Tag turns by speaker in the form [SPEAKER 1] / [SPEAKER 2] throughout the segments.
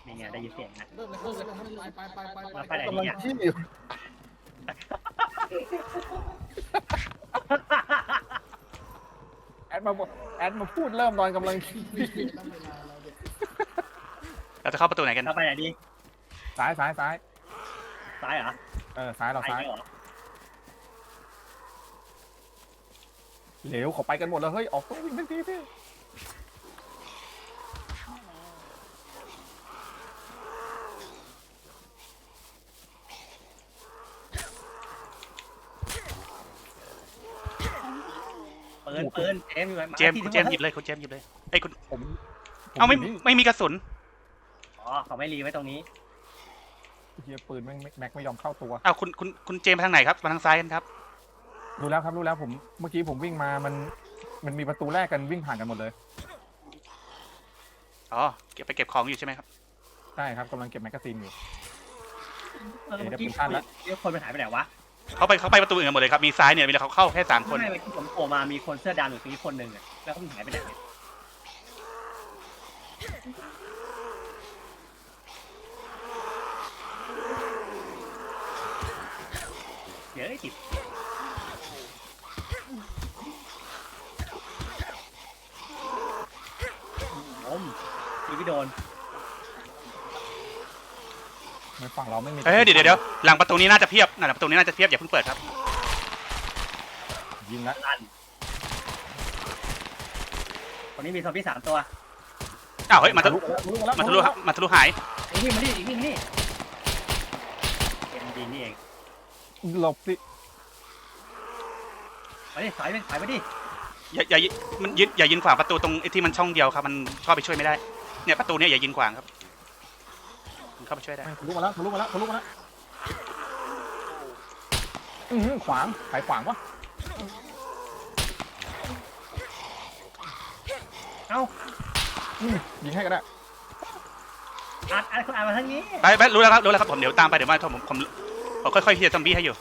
[SPEAKER 1] นี่ไงได้ยินเสียงนะ
[SPEAKER 2] เริ่มเลยครับไป
[SPEAKER 1] ไปไหน
[SPEAKER 2] กำลัง
[SPEAKER 1] เนี่ย
[SPEAKER 2] ขี้อยู่แอดมาพูดเริ่มตอนกำลังขี้
[SPEAKER 3] เราจะเข้าประตูไหนกัน
[SPEAKER 1] เราไปไหนดี
[SPEAKER 2] ซ้าย
[SPEAKER 1] ซ้ายเหรอ
[SPEAKER 2] ซ้ายเราซ้าย
[SPEAKER 1] เหรอ
[SPEAKER 2] เหลวเขาไปกันหมดแล้วเฮ้ยออกตัววิ่งทันทีพี่
[SPEAKER 1] ปืนเจมส์อยู่ไหน
[SPEAKER 3] เจมส์คุณเจมส์หยิบเลยคุณเจมส์หยิบเลยไอ้ยคุณ
[SPEAKER 2] ผม
[SPEAKER 3] เอาไม่มีกระสุน
[SPEAKER 1] อ๋อเขาไม่รีไว้ตรงนี้
[SPEAKER 2] เฮียปืนแม็กไม่ยอมเข้าตัว
[SPEAKER 3] เอาคุณเจมส์ไปทางไหนครับมาทางซ้ายกันครับ
[SPEAKER 2] รู้แล้วผมเมื่อกี้ผมวิ่งมามันมีประตูแรกกันวิ่งผ่านกันหมดเลย
[SPEAKER 3] อ๋อเก็บของอยู่ใช่ไหมครับ
[SPEAKER 2] ใช่ครับกำลังเก็บแมกกาซีนอยู่
[SPEAKER 1] เมื่อกี้เดี๋ยวคนไปหายไปไหนวะ
[SPEAKER 3] เขาไปประตูอื่นกันหมดเลยครับมีซ้ายเนี่ยมีเขาเข้าแค่3 คน
[SPEAKER 1] ไม่เมื่อกี้ผมโผล่มามีคนเสื้อดำอยู่ตรงนี้คนหนึ่งอ่ะแล้วก็มันหายไปไหนเดี๋ยวติดตีพี่โดน
[SPEAKER 2] ในฝั่งเราไม่มี
[SPEAKER 3] เดี๋ยวหลังประตูนี้น่าจะเพียบหลังประตูนี้น่าจะเพียบอย่าเพิ่งเปิดครับ
[SPEAKER 2] ยิงแล้ว
[SPEAKER 1] ลั่นคนนี้มีซอมบี้3 ตัว
[SPEAKER 3] อ้าวเฮ้ยมาทะลุ
[SPEAKER 2] แล้ว
[SPEAKER 3] มาทะลุหาย
[SPEAKER 1] อีกนี่มาดิอีกนี่มาดิเอ็มดีนี่เอง
[SPEAKER 2] หลบสิ
[SPEAKER 1] มาดิถอยไปดิ
[SPEAKER 3] อย่ายืนขวางประตูตรงที่มันช่องเดียวครับมันเข้าไปช่วยไม่ได้เนี่ยประตูเนี่ยอย่ายืนขวางครับมันเข้าไปช่วยได้
[SPEAKER 2] ทะลุมาแล้วขวางใครขวางวะ
[SPEAKER 1] เอ้า
[SPEAKER 2] ยิงให้ก็ได้
[SPEAKER 1] อัดคนอ่านมาทางนี้
[SPEAKER 3] ไปรู้แล้วครับผมเดี๋ยวตามไปเดี๋ยวมาผมค่อยๆเคลียร์ซอมบี้ให้อยู่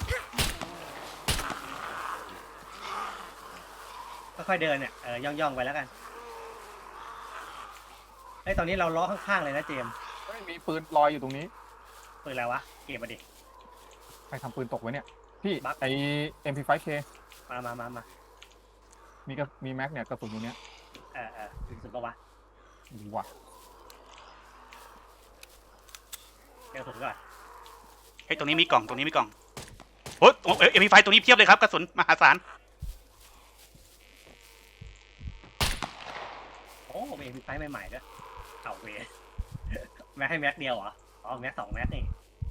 [SPEAKER 1] ค่อยๆเดินเนี่ยย่องไปแล้วกันไอ้ตอนนี้เราล้อข้างๆเลยนะเจมส์
[SPEAKER 2] มีปืนลอยอยู่ตรงนี้
[SPEAKER 1] ปืนอะไรวะเก็บมาดิ
[SPEAKER 2] ใครทำปืนตกไว้เนี่ยพี่
[SPEAKER 1] บั๊ก
[SPEAKER 2] ไอ MP5K
[SPEAKER 1] มา
[SPEAKER 2] มีแม็กเนี่ยกระสุนอยู่เนี้ย
[SPEAKER 1] ถึงสุดปะวะ
[SPEAKER 2] ดีว่ะ
[SPEAKER 1] เก็บสุดก่อน
[SPEAKER 3] เฮ้ยตรงนี้มีกล่องโอ้ยมีไฟตรงนี้เพียบเลยครับกระสุนมหาศาล
[SPEAKER 1] โอ้เอ็มพีไฟใหม่ๆด้วยเข่าเวแม็กให้แม็กเดียวเหรออ๋อแม็ก2 แม็กนี่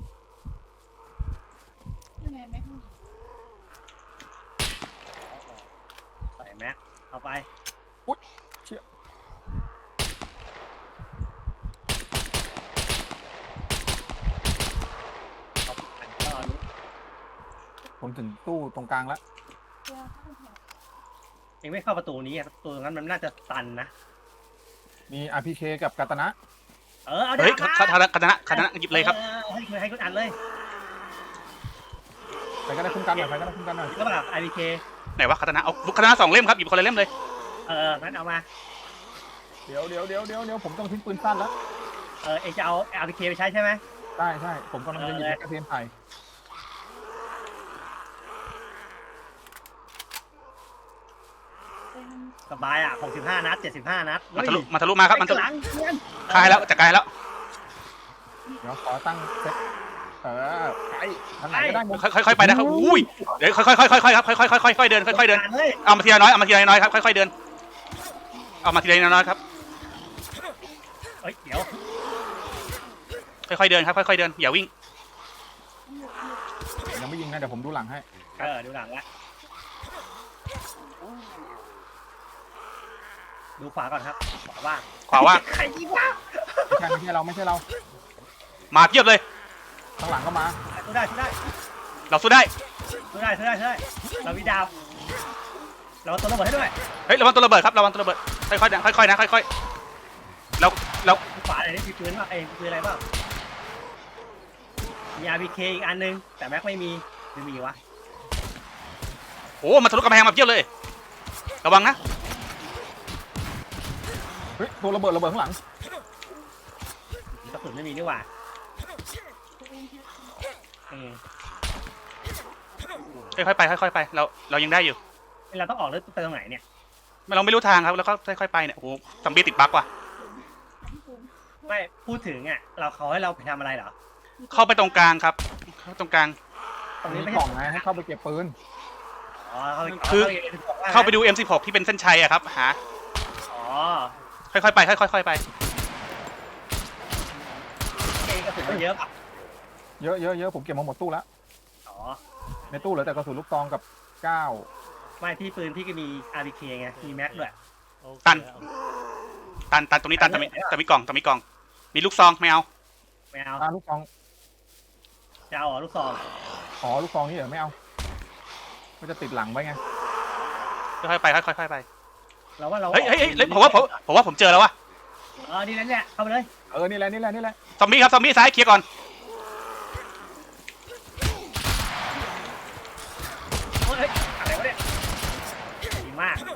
[SPEAKER 1] ใส่แม็กเอาไป
[SPEAKER 2] เชี่ย
[SPEAKER 1] เอาอันก็รู้
[SPEAKER 2] ผมถึงตู้ตรงกลางแล้ว
[SPEAKER 1] เองไม่เข้าประตูนี้ประตูนั้นมันน่าจะตันนะ
[SPEAKER 2] มี RPK กับกาตานะ
[SPEAKER 1] เอา
[SPEAKER 3] เฮ้ย
[SPEAKER 1] ดาบ
[SPEAKER 3] คณะหยิบเลยครับ
[SPEAKER 1] ให้คุณอัดเลย
[SPEAKER 2] ใครก็ได้คุ้มกันหน่อย
[SPEAKER 1] ก็แบบ IPK
[SPEAKER 3] ไหนวะคาตานะเอาคาตานะ2 เล่มครับหยิบคนละเล่มเลย
[SPEAKER 1] งั้นเอามา
[SPEAKER 2] เดี๋ยวผมต้องทิ้งปืนสั้นแล้ว
[SPEAKER 1] เองจะเอา IPK ไปใช้ใช่ไหม
[SPEAKER 2] ใช่ผมกำลังจะหยิบแมกกาซีนไผ่
[SPEAKER 1] สบาย65 นัด 75 นัด
[SPEAKER 3] มาทะลุมาครับมันทะลุ
[SPEAKER 1] หลังเพื่อน
[SPEAKER 3] คลายแล้วจะคลายแล้ว
[SPEAKER 2] เดี๋ยวขอตั้งเซตไปทางไหนก็ได้หมด
[SPEAKER 3] ค่อยๆไปนะครับอุ้ยเดี๋ยวค่อยครับค่อยๆเดิน
[SPEAKER 1] เลย
[SPEAKER 3] เอามาทีละน้อยครับค่อยๆเดินเอามาทีละน้อยครับ
[SPEAKER 1] เดี๋ยว
[SPEAKER 3] ค่อยๆเดินครับค่อยๆเดินอย่าวิ่ง
[SPEAKER 2] ยังไม่ยิงนะเดี๋ยวผมดูหลังให้
[SPEAKER 1] ดูหลังละดูขวาก่อนครับขวาว่าง ใครยิงวะ
[SPEAKER 2] ไม่ใช่เรา
[SPEAKER 3] มาเพียบเลย
[SPEAKER 2] ข้างหลังก็มา
[SPEAKER 1] สู้ได้
[SPEAKER 3] เราสู้ได้
[SPEAKER 1] เรามีดาวเราตัวระเบิดให้ด้วย
[SPEAKER 3] เฮ้ยระวังตัวระเบิดครับระวังตัวระเบิดค่อยๆนะค่อยๆเรา
[SPEAKER 1] ขวาอะไรนี่มีปืนป่ะปืนอะไรบ้างมี RPK อีกอันนึงแต่แม็กไม่มีวะ
[SPEAKER 3] โอ้มาทะลุกำแพงมาเพียบเลยระวังนะ
[SPEAKER 2] เฮ้ยตัวระเบิดข้างหลัง
[SPEAKER 1] กระสุนไม่มีนี่หว่าอืม
[SPEAKER 3] ค่อยๆไปค่อยๆไปเรายังได้อยู่
[SPEAKER 1] เราต้องออกหรือไปตรงไหนเนี่ย
[SPEAKER 3] เราไม่รู้ทางครับแล้วก็ค่อยๆไปเนี่ยโอ้โหซอมบี้ติดบั๊กว่ะ
[SPEAKER 1] ไม่พูดถึงอ่ะเขาให้เราไปทำอะไรเหรอ
[SPEAKER 3] เข้าไปตรงกลางครับเข้าตรงกลาง
[SPEAKER 1] ตรง
[SPEAKER 2] มี
[SPEAKER 1] นี้ไม่
[SPEAKER 2] กล่
[SPEAKER 1] ใช่
[SPEAKER 2] องนะให้เข้าไปเก็บปืน
[SPEAKER 1] อ๋อ
[SPEAKER 3] คือ
[SPEAKER 1] เข้า
[SPEAKER 3] เข้าไปดู M16 ที่เป็นเส้นชัยอะครับหา
[SPEAKER 1] อ๋อ
[SPEAKER 3] ค่อยๆไปค่อยๆไป
[SPEAKER 1] กระสุนมันเยอะป่ะ
[SPEAKER 2] เยอะผมเก็บมาหมดตู้แล้ว
[SPEAKER 1] อ๋อ
[SPEAKER 2] ในตู้เหลือแต่กระสุนลูกซองกับก้าว
[SPEAKER 1] ไม่ที่ปืนพี่ก็มี RPK ไงมีแม็กด้วย
[SPEAKER 3] ตันตรงนี้ตันแต่มีกล่องมีลูกซองไม่เอา
[SPEAKER 1] ไม่เอา
[SPEAKER 2] ลูกซอง
[SPEAKER 1] จะเอาลูกซอง
[SPEAKER 2] อ๋อลูกซองนี่เหรอไม่เอามันจะติดหลังไว้ไง
[SPEAKER 3] ค่อยๆไปค่อยๆไป
[SPEAKER 1] เราว่าเรา
[SPEAKER 3] เฮ้ยผมว่าผมเจอแล้ววะ
[SPEAKER 1] ดีนั่นแหละเข้าไปเลย
[SPEAKER 2] นี่แหละ
[SPEAKER 3] ซอมบี้ครับซอมบี้ซ้ายเคลียร์ก่อน
[SPEAKER 1] เฮ้ยอะไรวะเนี่ยดีมาก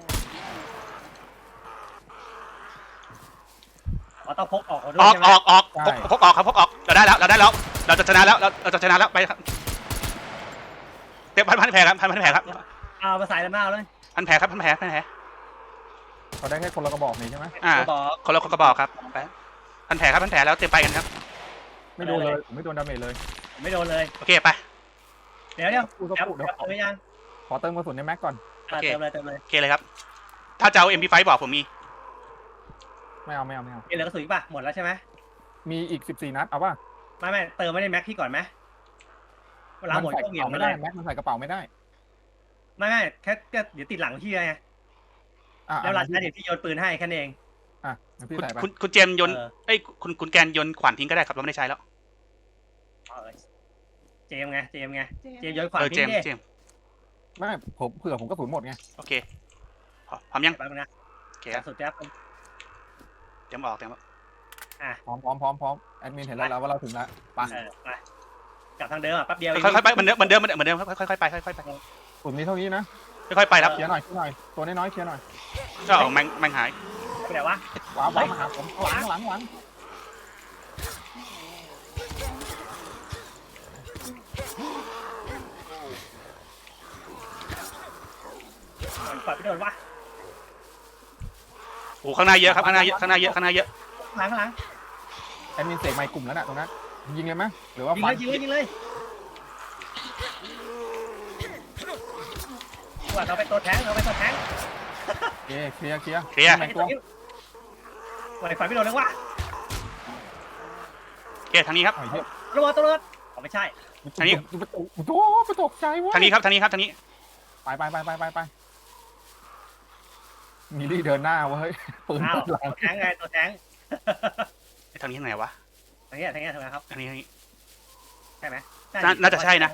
[SPEAKER 1] ต้องพกออกด้วย
[SPEAKER 3] ออก
[SPEAKER 1] ใช่ไหม
[SPEAKER 3] พกออกครับพกออกเราได้แล้วเราจะชนะแล้วเราจะชนะแล้วไปครับเตะพันแผลครับพันแผลครับ
[SPEAKER 1] เอามาใส่แล้วมาเอาเลย
[SPEAKER 3] พันแผลครับพันแผล
[SPEAKER 2] เขาได้แค่คนละกระบอกนี่ใช่ไหม
[SPEAKER 1] บอก
[SPEAKER 3] คนละกระบอกครับไปพันแผลครับพันแผลแล้วเตรียมไปกันครับ
[SPEAKER 2] ไม่โดนเลยผมไม่โดนดาเมจเลย
[SPEAKER 1] ไม่โดนเลย
[SPEAKER 3] โอเคไป
[SPEAKER 1] เดี๋ยวเดี๋ยว
[SPEAKER 2] พูดก็พูดเดี๋ยว
[SPEAKER 1] เติมยัง
[SPEAKER 2] ขอเติมกระสุนในแม็กก่อน
[SPEAKER 3] โอเค
[SPEAKER 1] เติมเลย
[SPEAKER 3] โอเคเลยครับถ้าจะเอา MP5 บอกผมมี
[SPEAKER 2] ไม่เอา
[SPEAKER 1] มีเหลือกระสุนป่ะหมดแล้วใช่ไหม
[SPEAKER 2] มีอีก14นัดเอาป่ะ
[SPEAKER 1] ไม่เติมไม่ได้แม็กพี่ก่อนไหมเวลาหมด
[SPEAKER 2] ใส่
[SPEAKER 1] ก็
[SPEAKER 2] กระ
[SPEAKER 1] เหยียบ
[SPEAKER 2] เป๋า
[SPEAKER 1] ไม่
[SPEAKER 2] ไม่
[SPEAKER 1] ได้
[SPEAKER 2] ได้แม็กมันใส่กระเป๋าไม่ได้
[SPEAKER 1] ไม่แค่เดี๋ยวติดหลังพี่ไงแล้วเวลาใช้เดี๋ยวพี่โยนปืนให้แค่นั้นเอง
[SPEAKER 2] พี่ใส่ไป
[SPEAKER 3] คุณเจมยนเอ้ยคุณแกนยนขวานทิ้งก็ได้ครับเราไม่ได้ใช้แล้ว
[SPEAKER 1] เจมไงเจมโยนขวาน
[SPEAKER 3] เจ
[SPEAKER 1] ทิ้
[SPEAKER 3] ม
[SPEAKER 1] งดิ
[SPEAKER 3] เจม
[SPEAKER 2] ไม่ผมเผื่อผมกระสุนหมดไง
[SPEAKER 3] โอเคพร้อมยัง
[SPEAKER 1] แป๊บนึงนะ
[SPEAKER 3] โอเค
[SPEAKER 1] สุดแป๊บ
[SPEAKER 3] เตรียมออก
[SPEAKER 2] พร้อมแอดมินเห็นแล้วว่าเราถึงแล้วไป
[SPEAKER 1] ไปกลับทางเดิมแป๊บเดียว
[SPEAKER 3] ค่อยๆไปเหมือนเดิมค่อยๆไปค่อยๆไป
[SPEAKER 2] กลุ่มนี้เท่านี้นะ
[SPEAKER 3] ค่อยๆไปครับ
[SPEAKER 2] เคลียร์หน่อยตัวน้อยเคลียร์หน่อย
[SPEAKER 3] ก็แมงหาย
[SPEAKER 1] ไปไหนวะ
[SPEAKER 2] ว้าวมาหาผมหลัง
[SPEAKER 1] ปล่อยไปโดนวะ
[SPEAKER 3] โอ้ข้างหน้าเยอะครับข้างหน้าเยอะ
[SPEAKER 1] ข้างหลัง
[SPEAKER 2] แอดมินเสกไมค์กลุ่มแล้วน่ะตรงนั้นยิงเลยไหมหรือว่า
[SPEAKER 1] ยิงเลยว่าเราไปตัวแทง
[SPEAKER 2] เคลียร์
[SPEAKER 3] ตัว
[SPEAKER 1] ปล่อยไฟไม่โดนเลยวะ
[SPEAKER 3] โอเคทางนี้ครับ
[SPEAKER 1] ระวังตัวรถไม่ใช่
[SPEAKER 2] ประตกใจวะ
[SPEAKER 3] ทางนี้ครับ
[SPEAKER 2] ไปมีดีเดินหน้าวะเฮ้ยปืน
[SPEAKER 1] อ้าว
[SPEAKER 2] หลัง
[SPEAKER 1] ตัวแทงไงตัวแทง
[SPEAKER 3] ทางนี้ทางไหนวะ
[SPEAKER 1] ทางนี้ทำไมครับ
[SPEAKER 3] ทางนี้
[SPEAKER 1] ใช่ไหม
[SPEAKER 3] น่าจะใช่นะ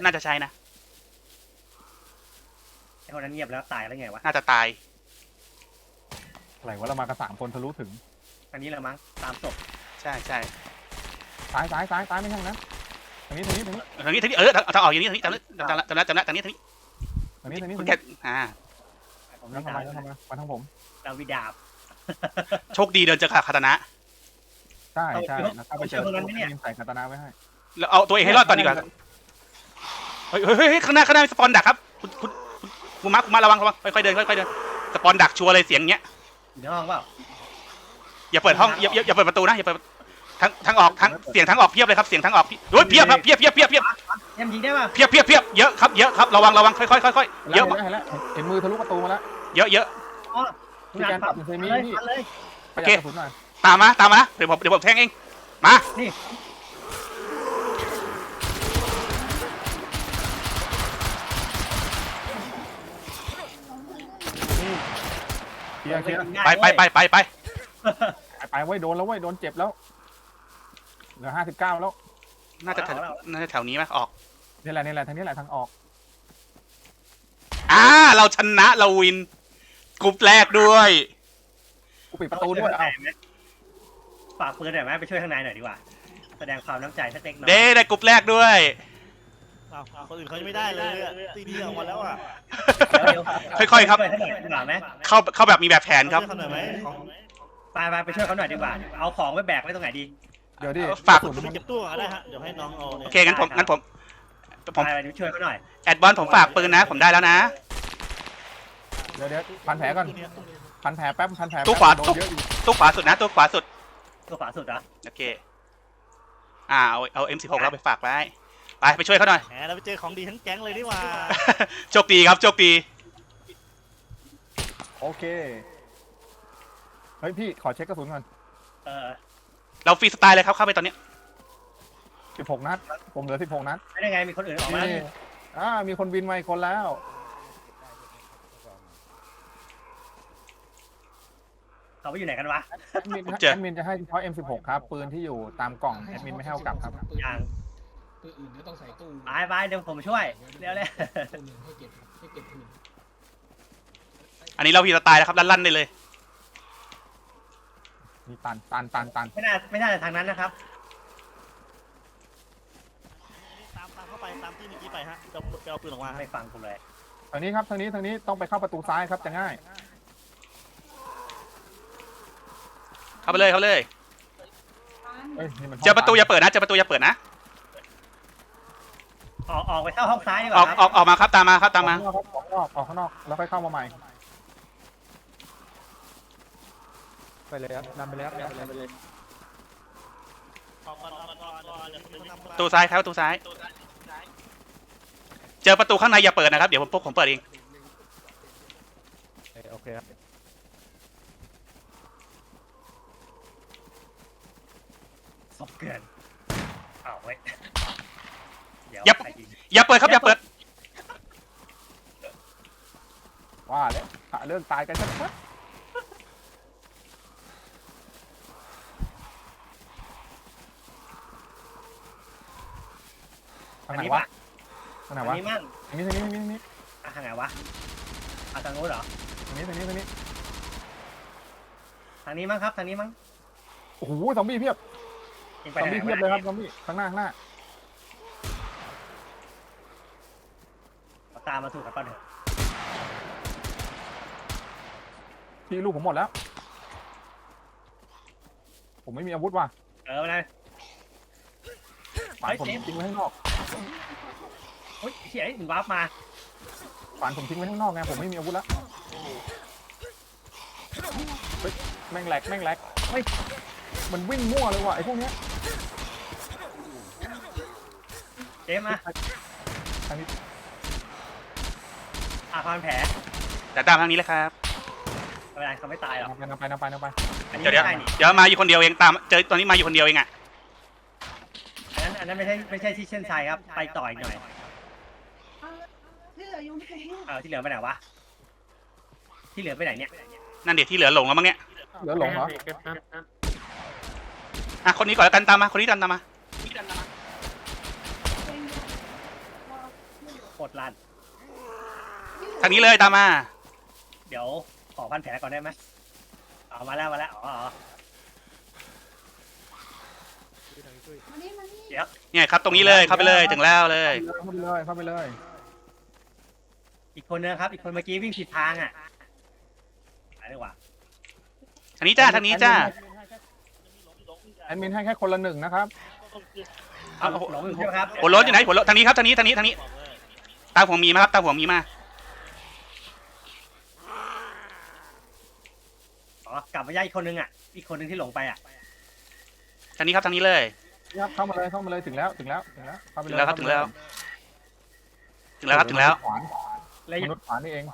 [SPEAKER 1] ไอ้คนนั้นเงียบแล้วตายแล้วไงวะ
[SPEAKER 3] น่าจะตาย
[SPEAKER 2] อะไรวะเรามากัน3 คนทะลุถึง
[SPEAKER 1] อันนี้แหละมั้งตามศพ
[SPEAKER 3] ใช่
[SPEAKER 2] ซ้ายไม่ใช่นะทางนี้
[SPEAKER 3] ทางนี้ถ้าออกอย่างนี้ทางนี้จำแล้วทางนี้คุณแก
[SPEAKER 2] แล้วทำไมมาทางผม
[SPEAKER 1] เราวิดาบ
[SPEAKER 3] โชคดีเดินเจอคาตานะ
[SPEAKER 2] ใช่แล้วถ้าไปเจอใส่คาตานาไว้ให้
[SPEAKER 3] แล้วเอาตัวเองให้รอดก่อนดีกว่าเฮ้ยข้างหน้ามีสปอนดักครับคุณมาระวังค่อยๆเดินสปอนดักชัวร์เลยเสียงเงี้ย
[SPEAKER 1] อยู่ในห้องเปล่า
[SPEAKER 3] อย่าเปิดห้องอย่าเปิดประตูนะอย่าเปิดทางออกเสียงทางออกเพียบเลยครับเสียงทางออกเพียบครับเพียบ
[SPEAKER 1] ยังยิงได้ป่ะ
[SPEAKER 3] เพียบเยอะครับระวังค่อยเยอะ
[SPEAKER 2] เห็นมือทะลุประตูมาแล้ว
[SPEAKER 3] เยอะ
[SPEAKER 1] อ๋อ
[SPEAKER 2] พี่แกนปรับเซมินี่
[SPEAKER 1] เลย
[SPEAKER 2] ประหยัดกระสุนหน่อย
[SPEAKER 3] ตามมาเดี๋ยวผมแทงเองมา
[SPEAKER 1] นี่
[SPEAKER 2] เคลียร์
[SPEAKER 3] ไป
[SPEAKER 2] ไว้โดนแล้วโดนเจ็บแล้วเหลือ59แล้ว
[SPEAKER 3] น่าจะแถวนี้ไหมออก
[SPEAKER 2] นี่แหละทางนี้แหละทางออก
[SPEAKER 3] เราชนะเราวินกลุ่มแรกด้วย
[SPEAKER 2] กูปิดประตูด้วยเอา
[SPEAKER 1] ฝากปืนหน่อยไหมไปช่วยข้างในหน่อยดีกว่าแสดงความน้ำใจสักเล็กน้อย
[SPEAKER 3] ได้กลุ่มแรกด้วย
[SPEAKER 4] คนอื่นเขาจะไม่ได้เลยตีเดียวมาแล้วอ่ะ
[SPEAKER 3] ค่อยๆครับ
[SPEAKER 1] ช่วยเขาหน่อยดีกว่าไหม
[SPEAKER 3] เข้าแบบมีแบบแผนครับ
[SPEAKER 4] ช่วยเขาหน่อยไหม
[SPEAKER 1] ไปช่วยเขาหน่อยดีกว่าเอาของไว้แบกไว้ตรงไหนดี
[SPEAKER 2] เดี๋ยวดิ
[SPEAKER 3] ฝาก
[SPEAKER 2] กระสุน
[SPEAKER 4] ไปเก็บตู้ก็ได้ฮะเดี๋ยวให้น้องเอา
[SPEAKER 3] โอ
[SPEAKER 4] เนี่ย
[SPEAKER 3] เคงั้นผม
[SPEAKER 1] ไปช่วยเขาหน่อย
[SPEAKER 3] แอดบอลผมฝากปืนนะ ผมได้แล้วนะ
[SPEAKER 2] เดี๋ยวพันแผลก่อนพันแผลแป๊บพันแผล
[SPEAKER 3] ตู้ขวา
[SPEAKER 2] โดนเยอะอยู่
[SPEAKER 3] ตู้ขวาสุดนะตู้ขวาสุด
[SPEAKER 1] ตัวขวาสุดเหรอ
[SPEAKER 3] โอเคเอา M16 เราไปฝากไว้ไปช่วยเขาหน่อย
[SPEAKER 4] แหมเราไปเจอของดีทั้งแก๊งเลยนี่หว่า
[SPEAKER 3] โชคดีครับโชคดี
[SPEAKER 2] โอเคเฮ้ยพี่ขอเช็คกระสุนก่อน
[SPEAKER 3] เราฟรีสไตล์เลยครับเข้าไปตอนนี้
[SPEAKER 2] 16 นัดผมเหลือ16 นัด
[SPEAKER 1] ไม่ได้ไงมีคนอื่นออกมาแล้ว
[SPEAKER 2] นี่มีคนบินมาอีกคนแล้ว
[SPEAKER 1] เขาไปอยู่ไหนกันวะ
[SPEAKER 2] แอดมินจะให้เฉพาะ M16 ครับปืนที่อยู่ตามกล่องแอดมินไม่ให้เอากลับครับ
[SPEAKER 1] ยัง
[SPEAKER 5] ปืนอื่นก็ต้องใส่ตู้
[SPEAKER 1] ไปเดี๋ยวผมช่วยเร็วเลย
[SPEAKER 5] ตู้หนึ่งให้เก็บปืน
[SPEAKER 3] อันนี้เราฟรีสไตล์แล้วครับลั่นๆได้เลย
[SPEAKER 2] มีตัน
[SPEAKER 1] ไม่น่าจะทางนั้นนะครับ
[SPEAKER 4] ตามเข้าไปตามที่เมื่อกี้ไปฮะจะเอาปืนออกมา
[SPEAKER 1] ไม่ฟังผมเลย
[SPEAKER 2] ทางนี้ครับทางนี้ต้องไปเข้าประตูซ้ายครับจะง่าย
[SPEAKER 3] เข้าไปเลยเข้าไปเลย
[SPEAKER 2] เอ้ยนี่มัน
[SPEAKER 3] เจอประตูอย่าเปิดนะเจอประตูอย่าเปิดนะ
[SPEAKER 1] ออกไปเข้าห้องซ้ายดีก
[SPEAKER 3] ออ
[SPEAKER 1] ว่าก ครับ
[SPEAKER 3] ออกมาครับตามมาครับตามมา
[SPEAKER 2] ออกข้างนอกแล้วค่อยเข้ามาใหม่ ไปเลยครับนำไปเลยครับนำไปเลย
[SPEAKER 4] ก่อนเดี๋ยวปืนนำ
[SPEAKER 3] ประตูซ้ายครับประตูซ้าย เจอประตูข้างในอย่าเปิดนะครับเดี๋ยวผมเปิดเอง
[SPEAKER 2] โอเคครับ
[SPEAKER 1] ศพเกินเว้ยเดี๋ยว
[SPEAKER 3] อย่าเปิดครับอย่าเปิด
[SPEAKER 2] ว่าแล้วหาเรื่องตายกันชัดทางไหนวะทางไหน
[SPEAKER 1] ทาง
[SPEAKER 2] วะ
[SPEAKER 1] นี้มั่ง
[SPEAKER 2] ทางนี้
[SPEAKER 1] ทางไหนวะทางโน้นเหรอ
[SPEAKER 2] ทางนี้
[SPEAKER 1] ทางนี้มั้งครับทางนี้มั้ง
[SPEAKER 2] โอ้โหซอมบี้เพียบ
[SPEAKER 1] ยิงไป
[SPEAKER 2] ซอม
[SPEAKER 1] ไหน
[SPEAKER 2] บี้เพียบเลยครับซอมบี้ข้างหน้า
[SPEAKER 1] ตามมาถูกกับป้าเถอะ
[SPEAKER 2] พี่ลูกผมหมดแล้ว ผมไม่มีอาวุธว่ะ
[SPEAKER 1] ไปเลย
[SPEAKER 2] ฝันผมทิ้งไว้ข้างนอก
[SPEAKER 1] เฮ้ยเฮียถึงวาร์ปมา
[SPEAKER 2] ฝันผมทิ้งไว้ข้างนอกไงผมไม่มีอาวุธแล้วเฮ้ยแม่งแหลกเฮ้ยมันวิ่งมั่วเลยว่ะไอ้พวกเนี้ย
[SPEAKER 1] เจมมา
[SPEAKER 2] ทางนี้
[SPEAKER 1] พันแผล
[SPEAKER 3] แต่ตามทางนี้เลยครับ
[SPEAKER 1] ไม่เป็นไรเขาไม่ตายหรอก
[SPEAKER 2] นำไป
[SPEAKER 1] อันนี้
[SPEAKER 3] เดี๋ยว
[SPEAKER 1] ไม่ใช่นี่
[SPEAKER 3] เดี๋ยวมาอยู่คนเดียวเองตามเจอตอนนี้มาอยู่คนเดียวเองอ่ะ
[SPEAKER 1] อันนั้นไม่ใช่ที่เช่นชัยครับไปต่ออีกหน่อย
[SPEAKER 6] ที่เหลืออยู่ไหน
[SPEAKER 1] ที่เหลือไปไหนวะที่เหลือไปไหนเนี่ย
[SPEAKER 3] นั่นเดี๋ยวที่เหลือหลงแล้วมั้งเนี่ย
[SPEAKER 2] เหลือหลงเหรอ
[SPEAKER 3] คนนี้ก่อนแล้วกันตามมาคนนี้ตามมา
[SPEAKER 1] โคตรลั่น
[SPEAKER 3] ทางนี้เลยตามมา
[SPEAKER 1] เดี๋ยวขอพันแผลก่อนได้ไหมมาแล้วอ๋อ
[SPEAKER 6] มานี่
[SPEAKER 3] เนี่ยครับตรงนี้เลยเข้าไปเลยถึงแล้วเลย
[SPEAKER 2] เข้าไปเลย
[SPEAKER 1] อีกคนนึงครับอีกคนเมื่อกี้วิ่งผิดทางไปดีกว่า
[SPEAKER 3] ทางนี้จ้าทางนี้จ้า
[SPEAKER 2] แอดมินให้แค่คนละหนึ่งนะครับ
[SPEAKER 1] หลงอยู่ใช่ไหมครับ
[SPEAKER 3] หัวรถอยู่ไหนหัวรถทางนี้ครับทางนี้ตามหัวมีมาครับตามหัวมีมาก
[SPEAKER 1] ลับมาย่าอีกคนนึงอีกคนนึงที่หลงไป
[SPEAKER 3] ทางนี้ครับทางนี้เลย
[SPEAKER 2] ครับเข้ามาเลยถึงแล้วเข้าไปเลย
[SPEAKER 3] ถึงแล้ว
[SPEAKER 2] มนุษย์ขวานนี่เอง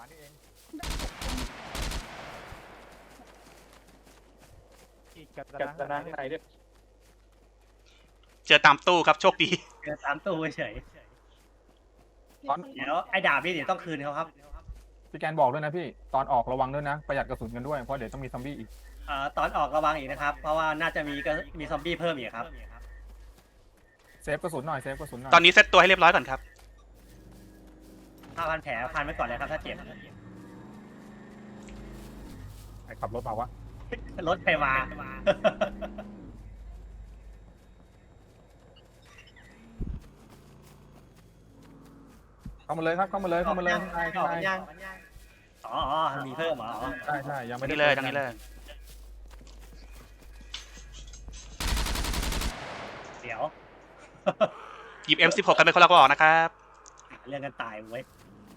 [SPEAKER 7] กัดนะข้างในด้วย
[SPEAKER 3] เจอตามตู้ครับโชคดี
[SPEAKER 1] เดินตามตู้เฉยเดี๋ยวไอ้ดาบนี่เดี๋ยวต้องคืนเขาครับ
[SPEAKER 2] พี่แกนบอกด้วยนะพี่ตอนออกระวังด้วยนะประหยัดกระสุนกันด้วยเพราะเดี๋ยวต้องมีซอมบี้อีก
[SPEAKER 1] ตอนออกระวังอีกนะครับเพราะว่าน่าจะมีซอมบี้เพิ่มอีกครับ
[SPEAKER 2] เซฟกระสุนหน่อย
[SPEAKER 3] ตอนนี้เซตตัวให้เรียบร้อยก่อนครับ
[SPEAKER 1] พันแผลพันไว้ก่อนเลยครับถ้าเจ็บ
[SPEAKER 2] ใครขับรถมาวะ
[SPEAKER 1] รถใครมา
[SPEAKER 2] เข้ามาเลยครับเข้ามาเลยใช่
[SPEAKER 1] อ๋อมีเพิ่มเหรอ
[SPEAKER 2] ใช่ยังไม่
[SPEAKER 3] ทาง
[SPEAKER 2] ได้
[SPEAKER 3] นี้เลย
[SPEAKER 1] ดี๋ยว
[SPEAKER 3] หยิบ M16 กันเป็นคนละกระบอกนะครับ
[SPEAKER 1] เรื่องกันตายเว้ย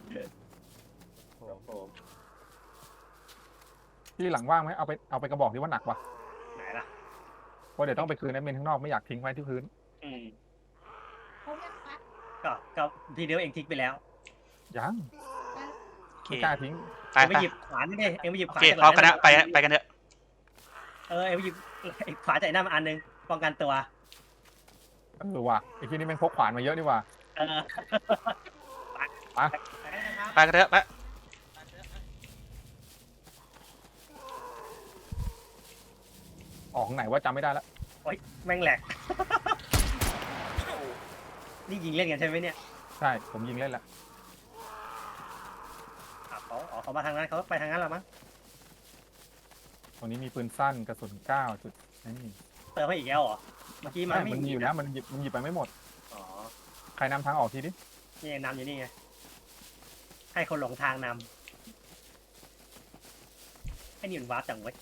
[SPEAKER 2] ที่หลังว่างไหมเอาไปกระบอกที่ว่าหนักว่ะ
[SPEAKER 1] ไหนล่ะ
[SPEAKER 2] เพราะเดี๋ยวต้องไปคืนแอดมินข้างนอกไม่อยากทิ้งไว้ที่พื้น
[SPEAKER 1] อืม
[SPEAKER 6] เขาเรียกพัด
[SPEAKER 1] ก็ทีเดียวเองทิ้งไปแล้ว
[SPEAKER 2] ยัง
[SPEAKER 3] โอเค
[SPEAKER 2] ไม่กล้าทิ้ง
[SPEAKER 3] ไป
[SPEAKER 1] เอ็ง
[SPEAKER 3] ไป
[SPEAKER 1] ไปหยิบขวานนี่ดิเอ็งไปหยิบ
[SPEAKER 3] โอ
[SPEAKER 1] ขวาน
[SPEAKER 3] เค
[SPEAKER 1] จาก
[SPEAKER 3] พร้อม
[SPEAKER 1] ห
[SPEAKER 3] ค
[SPEAKER 1] ลัง
[SPEAKER 3] ณะไปกันเถอะ
[SPEAKER 1] เอ็งไปหยิบไอ้ขวานจากไอ้นั่นมาอันนึงป้องกันตัว
[SPEAKER 2] ว่ะไอ้ที่นี่แม่งพกขวานมาเยอะนี่ว่ะ
[SPEAKER 1] เออ
[SPEAKER 3] ไปกันเถอะไป
[SPEAKER 2] ออกทางไหนว่าจำไม่ได้แล้ว
[SPEAKER 1] โอ๊ยแม่งแหลก นี่ยิงเล่นกันใช่ไหมเนี่ย
[SPEAKER 2] ใช่ผมยิงเล่นแล้ว
[SPEAKER 1] เขามาทางนั้นเขาไปทางนั้นแล้วมั้ง
[SPEAKER 2] ตรงนี้มีปืนสั้นกระสุน9จุดนี่
[SPEAKER 1] เติมให้อีกแล้วเหรอเมื่อกี้มัน
[SPEAKER 2] ไม่
[SPEAKER 1] ไม่
[SPEAKER 2] มันมีอยู่นะมันหยิบไปไม่หมด
[SPEAKER 1] อ๋อ
[SPEAKER 2] ใครนำทางออกทีดิ
[SPEAKER 1] นี่ไงนำอยู่นี่ไงให้คนหลงทางนำไอ้นี่มันวาร์ปจังเว้ย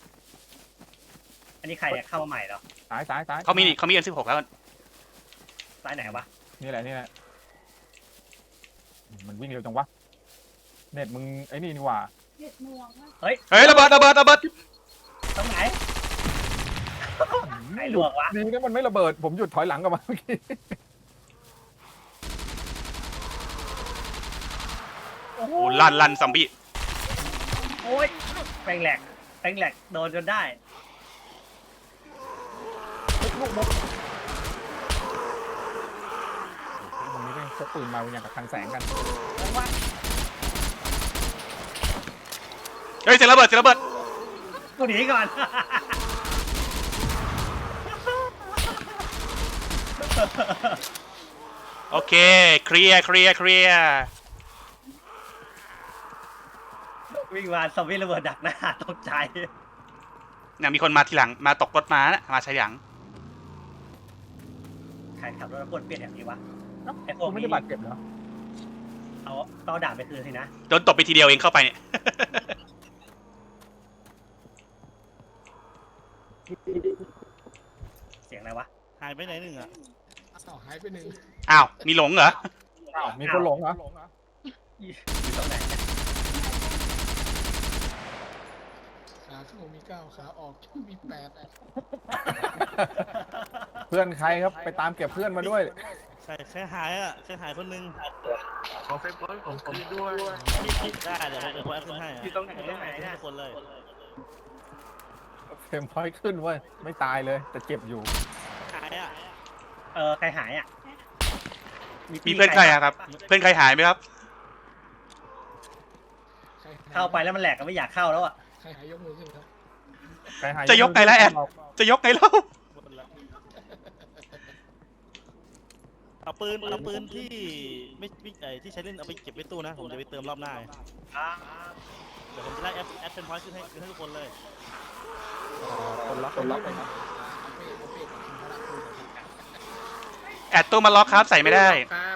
[SPEAKER 1] อันนี้ใครเนี่ยเข้ามาใหม่เหรอ
[SPEAKER 2] ซ้าย
[SPEAKER 3] เขามี M16 แล้ว
[SPEAKER 1] ซ้ายไหนวะ
[SPEAKER 2] นี่แหละมันวิ่งเร็วจังวะเน็ตมึงไอ้นี่ว่า
[SPEAKER 6] เด็ดหน่วงอะ
[SPEAKER 3] เฮ้ยระเบิด
[SPEAKER 1] ตรงไหนไหนลวกวะ
[SPEAKER 2] ดีนะมันไม่ระเบิดผมหยุดถอยหลังกลับมาเมื่อกี้
[SPEAKER 3] โอ้โหลั่นซอมบี้
[SPEAKER 1] โอ้ยแปลงแหลกโดนจนได้
[SPEAKER 2] ตรงนี้แม่งพกปืนมาอย่างกับทางแสงกัน
[SPEAKER 3] เฮ้ยเสียงระเบิด
[SPEAKER 1] กูหนีก่อน
[SPEAKER 3] โอเคเคลียร์
[SPEAKER 1] วิ่งมาซอมบี้ระเบิดดักหน้าตกใจ
[SPEAKER 3] เนี่ยมีคนมาทีหลังมาตกรถม้านะมาใช้หลัง
[SPEAKER 1] ใครขับรถแล้วกดเปลี่ยนแบบนี้วะไอ้พ
[SPEAKER 2] กู
[SPEAKER 1] วก
[SPEAKER 2] ไม่
[SPEAKER 1] นี้
[SPEAKER 2] ได้บาดเจ็บเหรอ
[SPEAKER 1] เอาต้องเอาด่าบไปคืนสินะ
[SPEAKER 3] โดนตบไปทีเดียวเองเข้าไปเนี่ย
[SPEAKER 1] เสียงอะไรวะ
[SPEAKER 4] หายไปไหนหนึ่งอ่ะ
[SPEAKER 5] อ้าวหายไปหนึ่ง
[SPEAKER 3] อ้าวมีหลงเหรอ
[SPEAKER 2] อ้าวมีคนหลงเหรอ
[SPEAKER 1] อยู่ตรงไหนเนี่ย
[SPEAKER 5] ขาเข้ามี9ขาออกมี8
[SPEAKER 2] เพื่อนใครครับไปตามเก็บเพื่อนมาด้วย
[SPEAKER 4] ใช่แค่หายอ่ะแค่หายคนหนึง
[SPEAKER 7] ขอเฟซบุ๊กผมด้วย
[SPEAKER 4] ได้เดี๋ยวผมแอดขึ้นให้อะ
[SPEAKER 1] อยู่ตรงไหนนะ
[SPEAKER 4] ทุกคนเลย
[SPEAKER 2] เฟรมพอยต์ขึ้นเว้ยไม่ตายเลยแต่เจ็บอยู่
[SPEAKER 4] หายอ่ะ
[SPEAKER 1] ใครหายอ่ะ
[SPEAKER 3] มีเพื่อนใครอะครับ เพื่อนใครหายไหมครับ
[SPEAKER 1] เข้าไปแล้วมันแหลกก็ไม่อยากเข้าแล้วอ่ะ
[SPEAKER 5] ใครหายยกมือขึ้นครับ
[SPEAKER 2] ใครหาย
[SPEAKER 3] จะยกไงล่ะแอด จะยกไงเล่า
[SPEAKER 4] หมดละเอาปืนที่ไม่ที่ใช้เล่นเอาไปเก็บไว้ตู้นะผมจะไปเติมรอบหน้าเดี๋ยวผมจะได้แอดเป็นพอยต์ขึ้นให้ทุกคนเลย
[SPEAKER 2] คนละ
[SPEAKER 5] เอาเป้กับคุณพระราชคุณครับ
[SPEAKER 3] แอดตู้มาล็อกครับใส่ไม่ได้
[SPEAKER 5] ครับ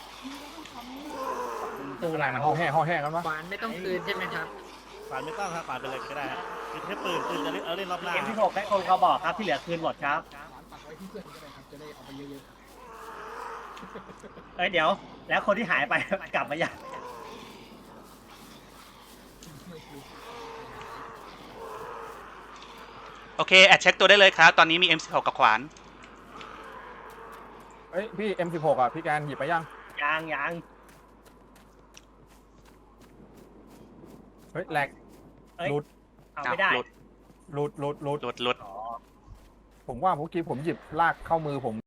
[SPEAKER 2] ตู้อะไรมันห่อแห่กันวะ
[SPEAKER 5] ขวานไม่ต้องคืนใช่ไหมครับ
[SPEAKER 4] ปาดไม่ต้องครับปาดไปเลยก็ได้ฮะคือแค่ปืนจะเล่นเอาเล่นรอบหน้า
[SPEAKER 1] เกมที่6ได้คนเขาบอกครับที่เหลือคืนหมดครับ
[SPEAKER 5] ขวานปักไว้ที่เพื่อนก็ได้ครับ จะได้เอาไปเยอะ
[SPEAKER 1] เดี๋ยว แล้วคนที่หายไป กลับมายัง
[SPEAKER 5] ๆไม่คือ
[SPEAKER 3] โอเคแอดเช็คตัวได้เลยครับ ตอนนี้มี M16 กับขวาน
[SPEAKER 2] เอ้ยพี่ M16 อ่ะพี่แกนหยิบไปยัง
[SPEAKER 1] ยัง
[SPEAKER 2] เฮ้ยแหลก
[SPEAKER 1] เอ้ย
[SPEAKER 2] หลุด
[SPEAKER 1] เอาไม่ได้
[SPEAKER 3] หลุด
[SPEAKER 2] หลุด
[SPEAKER 1] อ๋อ
[SPEAKER 2] ผมว่าเมื่อกี้ผมหยิบลากเข้ามือผม